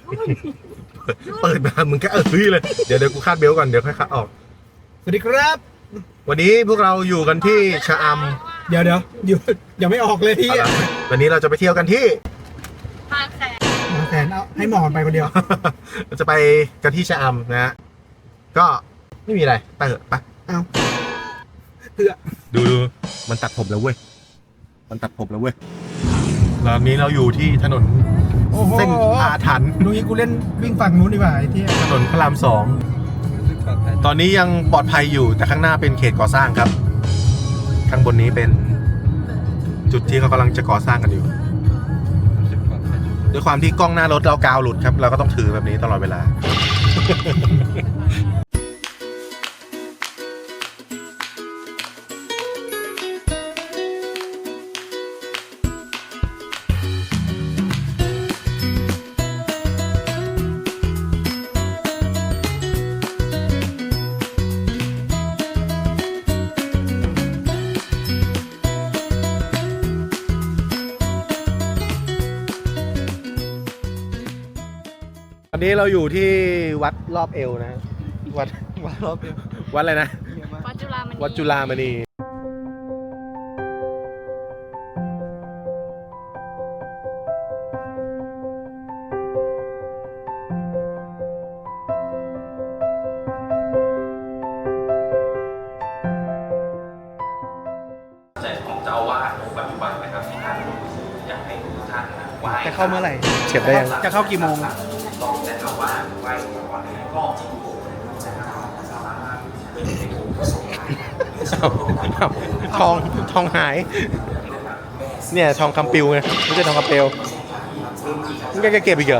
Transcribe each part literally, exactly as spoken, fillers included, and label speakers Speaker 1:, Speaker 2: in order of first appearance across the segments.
Speaker 1: เปิดมามึงก็เออเฮ้ยเลยเดี๋ยวเดี๋ยวกูคาดเบลต์ก่อนเดี๋ยวค่อยคาดออก
Speaker 2: สวัสดีครับ
Speaker 1: วันนี้พวกเราอยู่กันที่ชะอ
Speaker 2: เดี๋ยวเดี๋ยวเดี๋ยวยังไม่ออกเลย
Speaker 1: ำ
Speaker 2: พี่
Speaker 1: เอาล่ะวันนี้เราจะไปเที่ยวกันที่
Speaker 3: บางแสน
Speaker 2: บางแสนเอาให้หมอนไปคนเดียว
Speaker 1: เราจะไปกันที่ชะอำนะฮะก็ไม่มีอะไรไปเถอะไป
Speaker 2: เอาเพื่อ
Speaker 1: ดูดูมันตัดผมแล้วเว้ยมันตัดผมแล้วเว้ยตอนนี้เราอยู่ที่ถนน
Speaker 2: โอ้โห
Speaker 1: เส้นอาถรรพ์
Speaker 2: ลุงนี้กูเล่นวิ่งฝั่งนู้นดีกว่าไอ้ที่
Speaker 1: ถนนพระรามสองตอนนี้ยังปลอดภัยอยู่แต่ข้างหน้าเป็นเขตก่อสร้างครับ ข้างบนนี้เป็นจุดที่เขากำลังจะก่อสร้างกันอยู่ด้วยความที่กล้องหน้ารถเรากาวหลุดครับ เราก็ต้องถือแบบนี้ตลอดเวลา ตอนนี้เราอยู่ที่วัดรอบเอวนะฮะวัดวัดรอบเอววัดอะไรนะ
Speaker 3: วัดจุฬามณี
Speaker 1: วัดจุฬามณี
Speaker 4: ใจของเจ้าอาวาสองค์ปัจจุบันนะครับที่ท่านอยากให้ทุกท่านนะไหว้
Speaker 2: จะเข้าเมื่อไหร่
Speaker 1: เฉียบได้ยัง
Speaker 2: จะเข้ากี่โมง
Speaker 4: ต้องแต่เอาว่าไหว้ก่อนก็จริงๆเป็นในองค์ประสงค์
Speaker 1: ทองทองหาย เนี่ยทองคำปิวไงไม่ใช่ทองคำเปลวมึงแกเก็บอีกเหรอ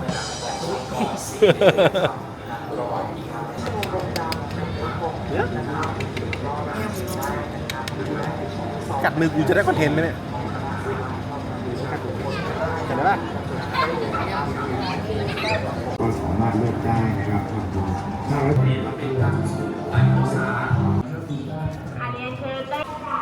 Speaker 1: กัดมือกูจะได้คอนเทนต์ไหมเนี่ยเห็นไหมล่ะ
Speaker 5: ก็สามารถเลือกได้นะครับทำบุญถ้าเรา
Speaker 3: อันนี้คือได้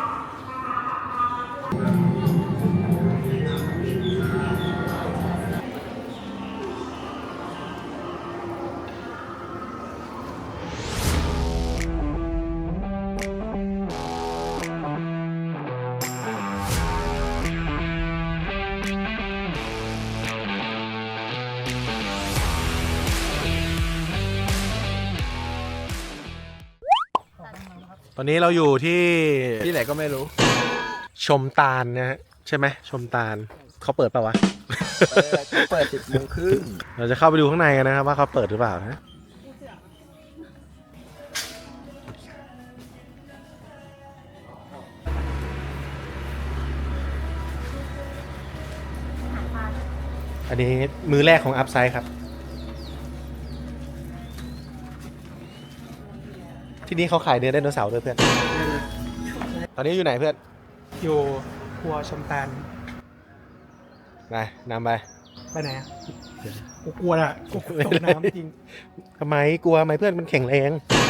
Speaker 1: ตอนนี้เราอยู่ที่
Speaker 2: ที่ไหนก็ไม่รู้
Speaker 1: ชมตาลนะฮะใช่ไหมชมตาลเขาเปิดเปล่าวะ
Speaker 2: เปิดสิบโมงครึ่ง
Speaker 1: เราจะเข้าไปดูข้างในกันนะครับว่าเขาเปิดหรือเปล่านะอันนี้มือแรกของอัพไซด์ครับ ที่นี่เขาขายเนื้อไดโนเสาร์ด้วยเพื่อน ตอนนี้อยู่ไหนเพื่อน
Speaker 2: อยู่ครัวชมตาล
Speaker 1: ไปนำไป
Speaker 2: ไปไหนอ่ะกูกลัวอ่ะกูตกน้ำจริง
Speaker 1: ทำไมกลัวไหมเพื่อนมันแข็งแรง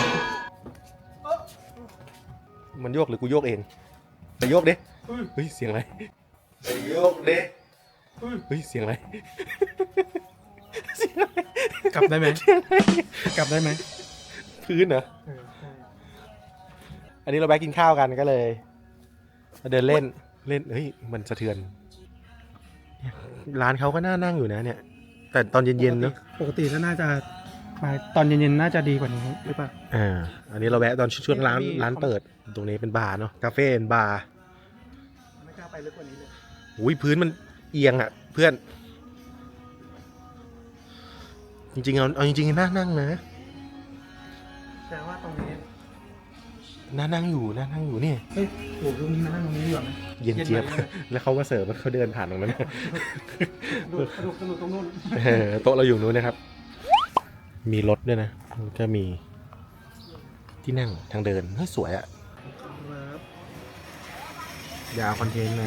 Speaker 1: มันโยกหรือกูโยกเองไปโยกดิเฮ้ยเสียงอะไรไปโยกดิเฮ้ยเสียงอะไรเสียงอะไร
Speaker 2: กลับได้ไหมกลับได้ไหม
Speaker 1: พื้นเหรอ
Speaker 2: เออใช่
Speaker 1: อันนี้เราแวะกินข้าวกันก็เลยมาเดินเล่นเล่นเฮ้ยมันสะเทือนเนี่ยร้านเขาก็น่านั่งอยู่นะเนี่ย แต่ตอนเย็นๆเนาะ
Speaker 2: ปกติก็น่าจะมาตอนเย็นๆน่าจะดีกว่านี้หรือเปล่า
Speaker 1: อ่าอันนี้เราแวะตอนช่วงร้าน
Speaker 2: มี
Speaker 1: ร้านเปิดตรงนี้เป็นบาร์เนาะคาเฟ่เป็นบาร์
Speaker 2: ไม่กล้าไปลึกกว่านี้เลย
Speaker 1: อุ้ยพื้นมันเอียงอ่ะเพื่อน จริงๆเอาเอาจริงๆน่านั่งนะ
Speaker 2: แต่ว่าตรงนี้
Speaker 1: น่านั่งอยู่น่านั่งอยู่นี่
Speaker 2: เฮ้ยโหตรงนี้นะตรงนี้ดีกว่าไหม
Speaker 1: เย็นเจี๊ยบ
Speaker 2: เย็นไหม
Speaker 1: แล้วเขามาเสิร์ฟแล้วเขาเดินผ่านตรงนั้น
Speaker 2: ดูกระดูกกระดูกตรงนู้น
Speaker 1: เออโต๊ะเราอยู่นู้นนะครับ มีรถด้วยนะก็มีที่นั่งทางเดินเฮ้ยสวยอะอย่าเอาคอนเทนต์นะ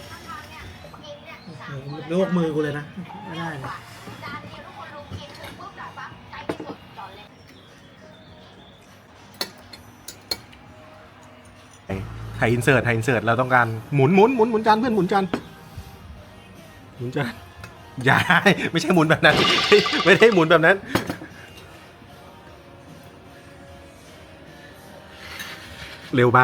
Speaker 2: ลวกมือกูเลยนะ ไม่ได้เลย
Speaker 1: ถ่ายอินเสิร์ตถ่ายอินเสิร์ตเราต้องการหมุนหมุนหมุนหมุนจานเพื่อนหมุนจานหมุนจานอย่า ไม่ใช่หมุนแบบนั้น ไม่ได้หมุนแบบนั้น เร็วไป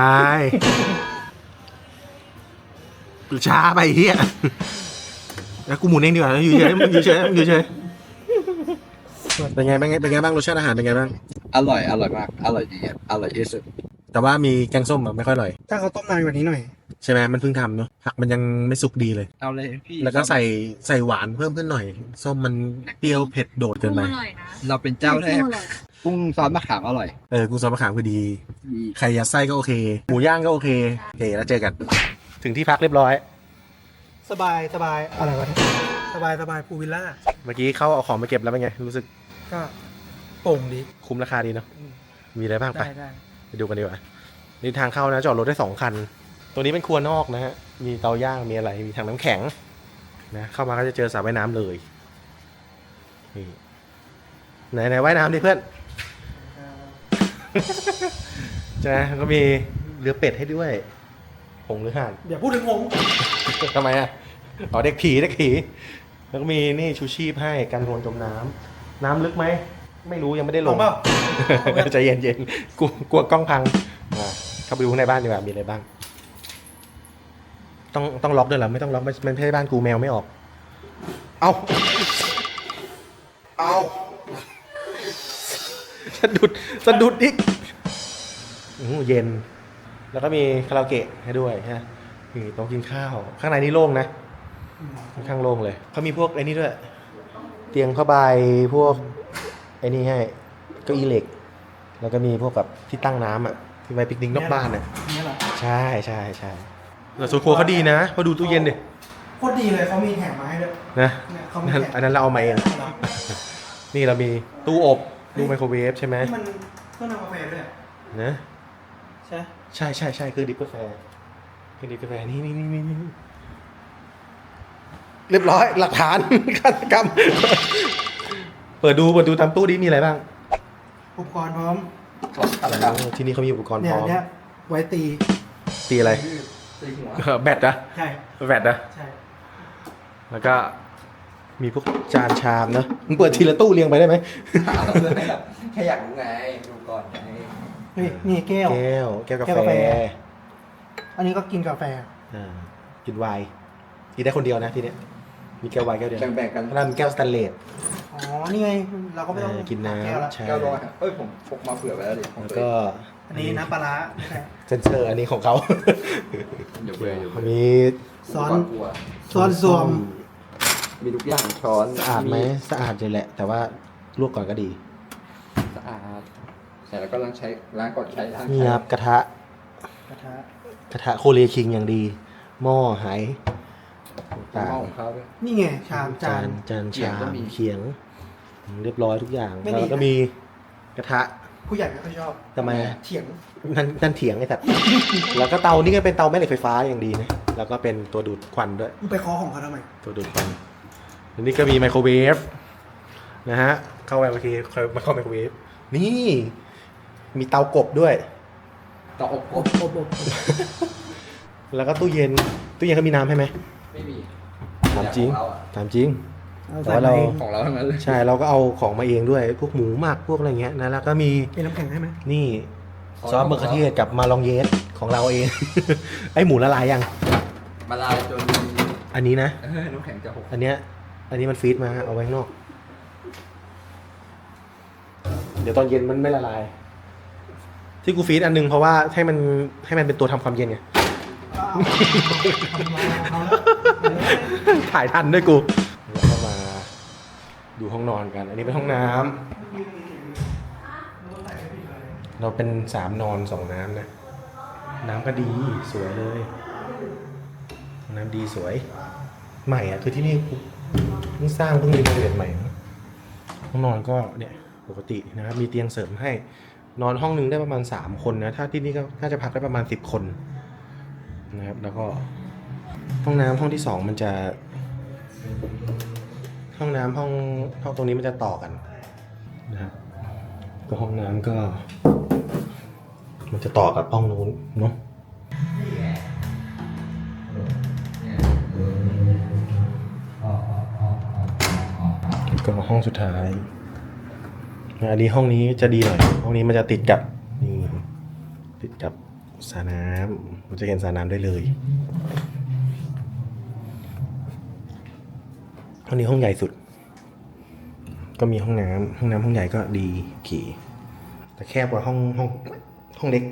Speaker 1: ช้าไปเฮียแล้วกูหมุนเองดีกว่าอยู่เฉยมึงอยู่เฉยมึงอยู่เฉยเป็นไงเป็นไงเป็นไงบ้างรสชาติอาหารเป็นไงบ้าง
Speaker 6: อร่อย อร่อยมาก อร่อยดีครับอร่อยที่สุด
Speaker 1: แต่ว่ามีแกงส้มอะไม่ค่อยอร่อย
Speaker 2: ถ้าเขาต้มนานกว่านี้หน่อย
Speaker 1: ใช่ไหมมันเพิ่งทำเนาะผักมันยังไม่สุกดีเลย
Speaker 6: เอาเลยพี่
Speaker 1: แล้วก็ใส่ใส่หวานเพิ่มขึ้นหน่อย ส้มมันเปรี้ยวเผ็ดโดดเกินไป
Speaker 3: อร่อยนะ
Speaker 6: เราเป็นเจ้าแรก
Speaker 3: อร่อย
Speaker 6: กุ้งซอสมะขามอร่อย
Speaker 1: เออกูซอสมะขามคือดี
Speaker 6: ดี
Speaker 1: ไข่ยัดไส้ก็โอเค หมูย่างก็โอเคโอเคแล้วเจอกัน ถึงที่พักเรียบร้อย
Speaker 2: สบายสบายอะไรวะสบายสบายพูลวิลล่า
Speaker 1: เมื่อกี้เขาเอาของมาเก็บแล้วเป็นไง รู้สึก
Speaker 2: ก็โป่งดี
Speaker 1: คุ้มราคาดีเนาะ มีอะไรบ้างไป
Speaker 2: ได้ได้
Speaker 1: ไปดูกันดีกว่า นี่ทางเข้านะจอดรถได้สองคัน ตัวนี้เป็นครัวนอกนะฮะ มีเตาย่าง มีอะไร มีถังน้ำแข็งนะ เข้ามาก็จะเจอสระว่ายน้ำเลย นี่ไหนไหนว่ายน้ำดิเพื่อน ใช่ไหมก็มีเรือเป็ดให้ด้วยหงส์หรือห่าน
Speaker 2: เดี๋ยวพูดถึงผม
Speaker 1: ทำไมอ่ะอ๋อเด็กผีเด็กผี แล้วก็มีนี่ชูชีพให้กันโดนจมน้ำ น้ำลึกไหม ไม่รู้ยังไม่ได้ลง
Speaker 2: ลงเปล่า
Speaker 1: ใจเย็นเย็นๆกลัวกลัวกล้องพังอ่ะเข้าไปดูข้างในบ้านดีกว่า มีอะไรบ้าง ต้องต้องล็อกด้วยเหรอ ไม่ต้องล็อกไม่ไม่ใช่บ้านกูแมวไม่ออก เอาเอาสะดุดสะดุดอีกอื้อเย็น แล้วก็มีคาราโอเกะให้ด้วยฮะมีโต๊ะกินข้าว ข้างในนี่โล่งนะ ค่อนข้างโล่งเลย เขามีพวกไอ้นี่ด้วย เตียงผ้าใบพวกไอ้นี่ให้เก้าอี้เหล็ก แล้วก็มีพวกแบบที่ตั้งน้ำอ่ะ ที่ไว้ปิกนิกนอกบ้านน่ะ
Speaker 2: นี่เหรอ
Speaker 1: ใช่ใช่ใช่แต่ส่วนครัวเขาดีนะพอดูตู้เย็นดิ
Speaker 2: โคตรดีเลยเขามีแถมมาให้ด้วย
Speaker 1: นะ
Speaker 2: เนี่ยเขามี
Speaker 1: นั่น
Speaker 2: แถม
Speaker 1: อันนั้นเราเอามาเอง นี่เรามีตู้อบตู้ไมโครเวฟใช่ไหม
Speaker 2: นี่มันเครื่องทำกาแฟด้วย
Speaker 1: นะ
Speaker 2: ใช่
Speaker 1: ใช่ใช่ใช่คือดิบกาแฟคือดิบกาแฟนี่นี่นี่นี่นี่เรียบร้อยหลักฐาน ฆาตกรรม เปิดดูเปิดดูตามตู้ดิมีอะไรบ้าง
Speaker 2: อุปกรณ์พร้อม
Speaker 6: อะไรครับ
Speaker 1: ที่นี่เขามีอุปกรณ์
Speaker 2: เนี่
Speaker 1: พ
Speaker 2: ย
Speaker 1: ร้อม
Speaker 2: เนี่ยไว้ตี
Speaker 1: ตีอะไร
Speaker 6: ตีหัว
Speaker 1: เออแบตนะ
Speaker 2: ใช่
Speaker 1: แบตนะ
Speaker 2: ใช่
Speaker 1: แล้วก็มีพวกจานชามเนอะมึงเปิดทีละตู้เรียงไปได้ไหม
Speaker 6: ถามเพื่อนให้แบบแค่อยากรู้ไง ดูก่อนไง
Speaker 2: เฮ้ยนี่แก้ว
Speaker 1: แก้วแก้วกา
Speaker 2: แก้วกา
Speaker 1: แฟ
Speaker 2: แฟ อันนี้ก็กินกาแฟ
Speaker 1: อ่ากินไวน์กินได้คนเดียวนะทีเนี้ยมีแก้วไวน์แก้วเดียว
Speaker 6: แบ่งๆกัน
Speaker 1: แล้วมีแก้วสแตนเลส
Speaker 2: อ๋อ นี่ไง เราก็ไม่ต้อง
Speaker 1: เออกินน้ำ
Speaker 2: แก้วละ
Speaker 1: ใช่
Speaker 6: แก้วร้อยเอ้ย ผมพกมาเผื่อไว้แล้วดิของ
Speaker 1: แล้ว
Speaker 6: ตัวเอ
Speaker 1: ก็
Speaker 6: ง
Speaker 2: อันนี้น้ำปลาร้าไม่ใช่
Speaker 1: เซนเซอร์อันนี้ของเขา
Speaker 6: เดี๋ยวเบื่อเดี๋ยวเบื่อ
Speaker 1: มี
Speaker 2: ซ้อน
Speaker 6: กลัว
Speaker 2: ซ้อนสวม
Speaker 6: มีทุกอย่างช้อน
Speaker 1: สะอาดไหมสะอาดเลยแหละ แต่ว่าลวกก่อนก็ดี
Speaker 6: สะอาดใช่แล้วก็ล้างใช้ล้างก่อนใช้ล้าง
Speaker 1: นี่
Speaker 6: ใช้
Speaker 1: ครับกระทะ
Speaker 2: กระทะ
Speaker 1: กระทะโคเรียคิงอย่างดี หม้อไหต่าง
Speaker 6: หม้อของเขาด้วย
Speaker 2: นี่ไง ชาม
Speaker 1: ๆ
Speaker 2: จา
Speaker 1: จาน นจาน
Speaker 6: เขียง
Speaker 1: ชา
Speaker 6: ก็
Speaker 1: ม
Speaker 6: มี
Speaker 1: เขียง เรียบร้อยทุกอย่าง
Speaker 2: ไม่ดี
Speaker 1: แล้วก็มีกระทะ
Speaker 2: ผู้ใหญ่ไม่ค่อยชอบ
Speaker 1: ทำไมอะ
Speaker 2: เถียง
Speaker 1: นั่นนั่นเถียงไอ้สัตว์ แล้วก็เตานี่ก็เป็นเตาแม่เหล็กไฟฟ้าอย่างดีนะ แล้วก็เป็นตัวดูดควันด้วย
Speaker 2: มึงไปเคอของเขาทำไม
Speaker 1: ตัวดูดควันอันนี้ก็มีไมโครเวฟนะฮะ เข้าไปเมื่อกี้มาเข้าไมโครเวฟ นี่ มีเตากบด้วย
Speaker 6: ต่ออบ
Speaker 2: อบอบอบ
Speaker 1: แล้วก็ตู้เย็น ตู้เย็นเขามีน้ำให้ไหม
Speaker 6: ไม่มี
Speaker 1: ถามจริง
Speaker 6: ของเราอะ
Speaker 1: ถามจริง
Speaker 2: เอา
Speaker 1: แต่
Speaker 2: ใส่
Speaker 1: ว่าเรา
Speaker 2: มาเอง
Speaker 6: ของเราทั้งนั้นเลย
Speaker 1: ใช่ เราก็เอาของมาเองด้วย พวกหมูหมักพวกอะไรเงี้ยนะ แล้วก็มี
Speaker 2: เป็นน้ำแข็งให้ไหม
Speaker 1: นี่ซอสมะเขือเทศกับมาลองเยสของเราเอง ไอหมูละลายยัง
Speaker 6: มาลายจน
Speaker 1: อันนี้นะ
Speaker 6: เออน้ำแข็งจะหก
Speaker 1: อันเนี้ย อันนี้มันฟรีดมาเอาไว้ข้างนอก เดี๋ยวตอนเย็นมันไม่ละลาย ที่กูฟรีดอันหนึงเพราะว่าให้มันให้มันเป็นตัวทำความเย็นไง ถ่ายทันด้วยกู แล้วก็มาดูห้องนอนกัน อันนี้เป็นห้องน้ำ เราเป็นสามนอนสองน้ำนะ น้ำก็ดีสวยเลย น้ำดีสวย ใหม่อ่ะ คือที่นี่เพิ่งสร้างเพิ่งรีโนเวทใหม่นะห้องนอนก็เนี่ยปกตินะครับ มีเตียงเสริมให้ นอนห้องนึงได้ประมาณสามคนนะ ถ้าที่นี่ก็น่าจะพักได้ประมาณสิบคนนะครับ แล้วก็ห้องน้ำห้องที่สองมันจะ ห้องน้ำห้องห้องตรงนี้มันจะต่อกันนะครับก็ห้องน้ำก็ มันจะต่อกับห้องนู้นเนาะก็ห้องสุดท้ายอันนี้ห้องนี้จะดีหน่อยห้องนี้มันจะติดกับนี่ติดกับสระน้ำมันจะเห็นสระน้ำได้เลยห้องนี้ห้องใหญ่สุดก็มีห้องน้ำห้องน้ำห้องใหญ่ก็ดีขี่แต่แคบกว่าห้องห้องห้องเล็ก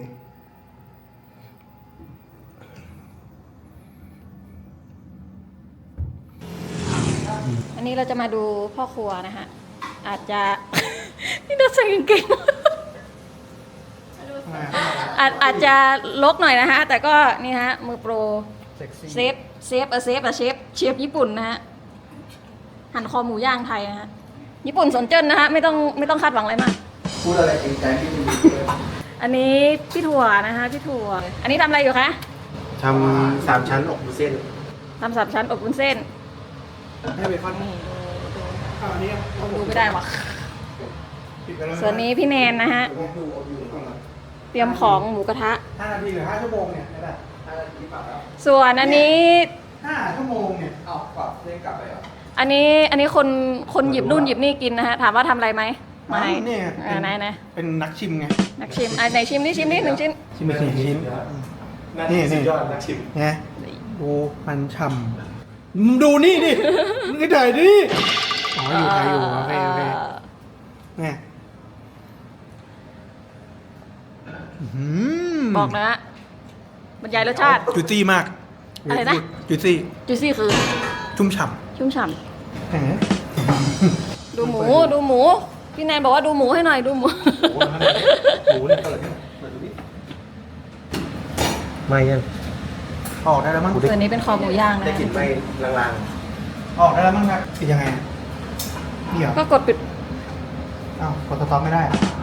Speaker 3: อันนี้เราจะมาดูพ่อครัวนะคะอาจจะ นี่น่าใส่กางเกงอาจอาจจะลกหน่อยนะฮะแต่ก็นี่ฮะมือโปรเซฟเซฟเออเซฟอะเชฟเชฟญี่ปุ่นนะฮะหั่นคอหมูย่างไทยนะฮะญี่ปุ่นสนเจิ้นนะฮะไม่ต้องไม่ต้องคาดหวังอะไรมาก
Speaker 6: พูดอะไรจริงใจพี่ดูเลย
Speaker 3: อันนี้พี่ถั่วนะคะพี่ถั่วอันนี้ทำอะไรอยู่คะ
Speaker 1: ทำสามชั้นอกวุ้นเส้น
Speaker 3: ทำสามชั้นอบวุ้นเส้น
Speaker 2: ให้เบคอน
Speaker 3: นี่ดูดู
Speaker 2: อ้าวอันนี้
Speaker 3: ดูไม่ได้ว่ะ
Speaker 2: ปิดไปแล้ว
Speaker 3: ส่วนนี้พี่แนนนะฮะเตรียมของหมูกระทะ
Speaker 2: ห้านาทีหรือห้าชั่วโมงเนี่ยได้
Speaker 3: ส่วนอันนี้
Speaker 2: ห้าชั่วโมงเนี่ย
Speaker 6: เอากลับเล่นกลับไปเหรอ
Speaker 3: อันนี้อันนี้คนคนหยิบนู่นหยิบนี่กินนะฮะถามว่าทำอะไรไหมไม่
Speaker 2: นี่
Speaker 3: อ่าไหนไหน
Speaker 2: เป็นนักชิมไง
Speaker 3: นักชิมอ่ะไหนชิมนี่ชิมนี่หนึ่งชิ้น
Speaker 2: ชิมไปสี่ชิ้น
Speaker 1: นี่
Speaker 2: นี่
Speaker 1: สุดยอดนักชิม
Speaker 2: ไงดูมันฉ่ำมึงดูนี่ดิมึงก็ถ่ายดิอ๋ออยู่ไทยอยู่โอเคโอเคเนี่ยอื้อหื
Speaker 3: บอกนะฮะบรรยายรสชาติ
Speaker 2: จุซี่มาก
Speaker 3: อะไรนะ
Speaker 2: จุซี่
Speaker 3: จูซี่คือ
Speaker 2: ชุ่มฉ่
Speaker 3: ชุ่มฉ่
Speaker 2: ำแหม
Speaker 3: ำดูหมูดูหมู พี่แนนบอกว่าดูหมูให้หน่อยดูหมู
Speaker 1: หมูเนี่ยเปิดเปิดดูดิไม่ยัง
Speaker 2: ออกได้แล้วมั้ง
Speaker 3: ส่วนนี้เป็นคอหมูย่างนะ
Speaker 1: ได้กลิ่นไม่ลาง
Speaker 2: ออกได้แล้วมั้งครับปิดยังไงอะเดี๋ยว
Speaker 3: ก็กดปิด
Speaker 2: อ้าวกดสต็อปไม่ได้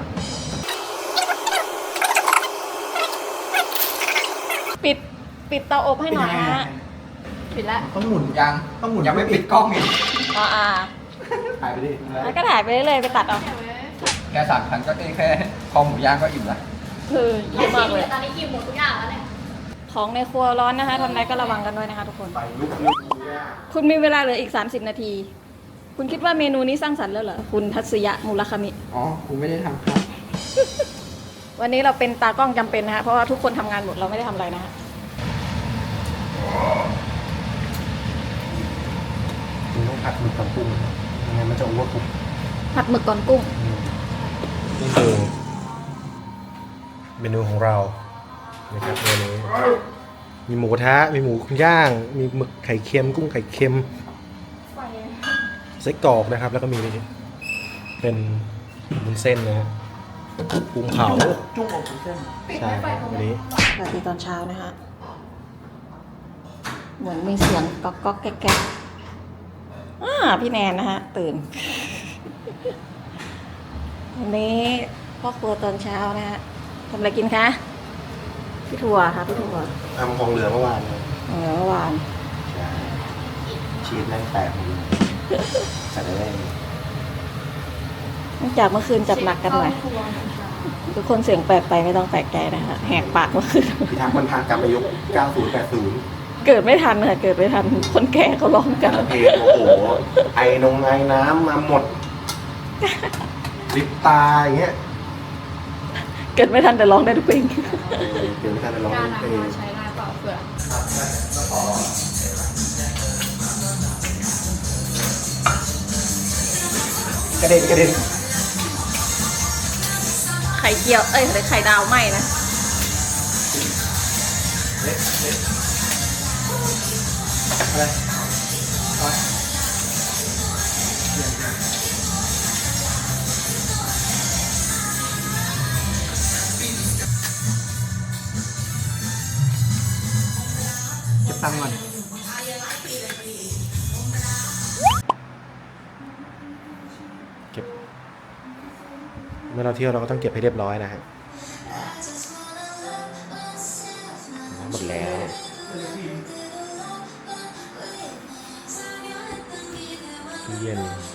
Speaker 3: ปิดปิดเตาอบให้หน่อยนะฮะปิดแล้ว
Speaker 2: ต้องหมุน
Speaker 6: ยัง
Speaker 2: ต้องหมุน
Speaker 6: ยังไม่ปิดกล้องอีก
Speaker 3: อ่าอ่า
Speaker 2: ถ่ายไปดิ
Speaker 3: แล้วก็ถ่ายไปเรื่อยๆไปตัดเอา
Speaker 6: แค่สามพันก็เอ้แค่คอหมูย่างก็อิ่มละ
Speaker 3: คือเยอะมากเลย
Speaker 7: ตอนนี้กินหมดทุกอย่างแล้วเนี่ย
Speaker 3: ของในครัวร้อนนะคะทำอะไรก็ระวังกันด้วยนะคะทุกคน
Speaker 1: ๆไฟลุกลุก
Speaker 3: คุณมีเวลาเหลืออีก สามสิบ นาที คุณคิดว่าเมนูนี้สร้างสรรค์แล้วเหรอ คุณทัศยะมูลคามิ
Speaker 6: อ๋อกูไม่ได้ทำครับ
Speaker 3: วันนี้เราเป็นตากล้องจำเป็นนะคะเพราะว่าทุกคนทำงานหมดเราไม่ได้ทำอะไรนะคะ
Speaker 1: คุณต้องผัดหมึกกับกุ้งไม่งั้นมันจะโอเวอร์คุก
Speaker 3: ผัดหมึกก่อนกุ้ง
Speaker 1: นี่คือเมนูของเรานะครับเมนูมีหมูกระทะมีหมูย่าง มีหมึกไข่เค็มกุ้งไข่เค็มไส้กรอกนะครับ แล้วก็มีนี่เป็นวุ้นเส้นนะฮะกุ้งเผา
Speaker 2: จุ้งอบวุ้นเส้น
Speaker 1: ใช่ครับวันนี้
Speaker 3: สวัสดีตอนเช้านะคะเหมือนมีเสียงก๊อกก๊อกแก๊กแก๊กอ่าพี่แนนนะฮะตื่น วันนี้พ่อครัวตอนเช้านะฮะทำอะไรกินคะพี่ถั่วค่ะพี่ถั่ว
Speaker 1: ทำของเหลือเมื่อวานนะ
Speaker 3: เออเมื่อวาน
Speaker 1: ใช่ชีสแม่งแตกหมดเลยใส่ได้
Speaker 3: เนื่องจากเมื่อคืนจัดหนักกันหน่อยทุกคนเสียงแปลกไปไม่ต้องแปลกใจนะคะแหกปากเมื่อคืน
Speaker 1: พี่ทักมันพากลับไปยุคเก้าสิบ แปดสิบ
Speaker 3: เกิดไม่ทันค่ะเกิดไม่ทันคนแก่เขาร้องกัน
Speaker 1: เพลงโอ้โห ไอนงไอน้ำมาหมดลิปตาอย่างเงี้ย
Speaker 3: เกิดไม่ทันแต่ร้องได้ทุกเพลง
Speaker 1: เดี๋ยวไม่ทันจะร้อง
Speaker 7: การ
Speaker 1: เพลง
Speaker 7: ใช้ได้เปล่าเผื่อ
Speaker 1: กระเด็นกระเด็น
Speaker 3: ไข่เจียวเอ้ยหรือไข่ดาวไหมนะ
Speaker 2: เก็บตังค์ก่อน
Speaker 1: เก็บเมื่อเราเที่ยวเราก็ต้องเก็บให้เรียบร้อยนะฮะหมดแล้วตู้เย็น